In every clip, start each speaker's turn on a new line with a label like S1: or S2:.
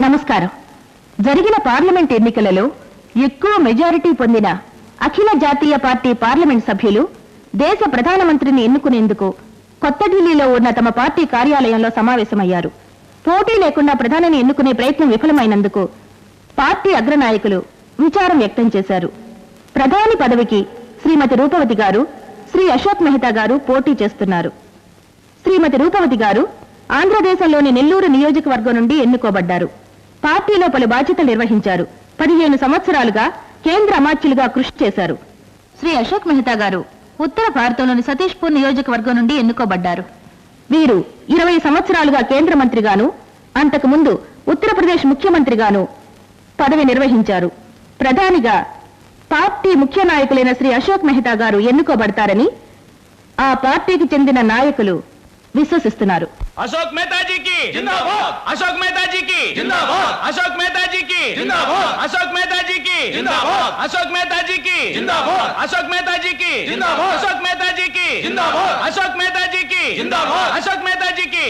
S1: నమస్కారం. జరిగిన పార్లమెంట్ ఎన్నికలలో ఎక్కువ మెజారిటీ పొందిన అఖిల జాతీయ పార్టీ పార్లమెంట్ సభ్యులు దేశ ప్రధానమంత్రిని ఎన్నుకునేందుకు కొత్త ఢిల్లీలో ఉన్న తమ పార్టీ కార్యాలయంలో సమావేశమయ్యారు. పోటీ లేకుండా ప్రధానిని ఎన్నుకునే ప్రయత్నం విఫలమైనందుకు పార్టీ అగ్రనాయకులు విచారం వ్యక్తం చేశారు. ప్రధాని పదవికి శ్రీమతి రూపవతి గారు, శ్రీ అశోక్ మెహతా గారు పోటీ చేస్తున్నారు. శ్రీమతి రూపవతి గారు ఆంధ్రదేశంలోని నెల్లూరు నియోజకవర్గం నుండి ఎన్నుకోబడ్డారు. పార్టీలో పలు బాధ్యతలు నిర్వహించారు. 15 సంవత్సరాలుగా కేంద్ర అమాత్యులుగా కృషి చేశారు. శ్రీ అశోక్ మెహతా గారు ఉత్తర భారతంలోని సతీష్పూర్ నియోజకవర్గం నుండి ఎన్నుకోబడ్డారు. వీరు 20 సంవత్సరాలుగా కేంద్ర మంత్రిగాను, అంతకుముందు ఉత్తరప్రదేశ్ ముఖ్యమంత్రిగాను పదవి నిర్వహించారు. ప్రధానిగా పార్టీ ముఖ్య నాయకులైన శ్రీ అశోక్ మెహతా గారు ఎన్నుకోబడతారని ఆ పార్టీకి చెందిన నాయకులు విశ్వసిస్తున్నారు.
S2: अशोक मेहता जी की जिंदाबाद, अशोक मेहता जी की जिंदाबाद, अशोक मेहता जी की जिंदाबाद, अशोक मेहता जी की जिंदाबाद, अशोक मेहता जी की जिंदाबाद, अशोक मेहता जी की जिंदाबाद, अशोक मेहता जी की जिंदाबाद, अशोक मेहता जी की जिंदाबाद, अशोक मेहता जी की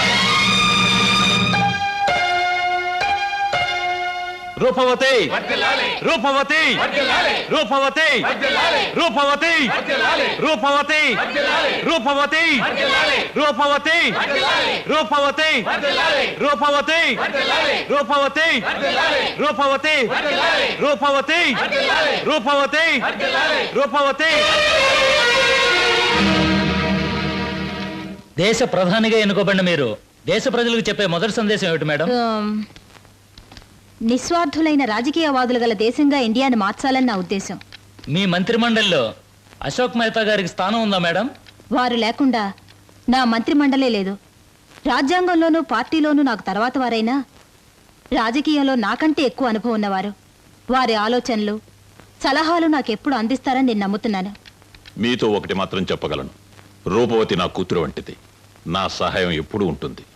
S2: रूपवती रूपवती रूपवती रूपवती रूपवती रूपवती रूपवती रूपवती रूपवती रूपवती रूपवती रूपवती रूपवती रूपवती
S3: దేశ ప్రధానిగా ఎన్నుకోబడిన మీరు దేశ ప్రజలకు చెప్పే మొదటి సందేశం ఏమిటి మేడం?
S4: నిస్వార్థులైన రాజకీయవాదులు గల దేశంగా ఇండియాను మార్చాలని నా ఉద్దేశం.
S3: మీ మంత్రిమండలిలో అశోక్ మెహతా గారికి స్థానం ఉందా మేడం?
S4: వారు లేకుండా నా మంత్రిమండలే లేదు. రాజ్యాంగంలోనూ పార్టీలోనూ నాకు తర్వాత వారైనా రాజకీయంలో నాకంటే ఎక్కువ అనుభవం ఉన్నవారు. వారి ఆలోచనలు సలహాలు నాకెప్పుడు అందిస్తారని నేను నమ్ముతున్నాను.
S5: మీతో ఒకటి మాత్రం చెప్పగలను, రూపవతి నా కూతురు వంటిది. నా సహాయం ఎప్పుడూ ఉంటుంది.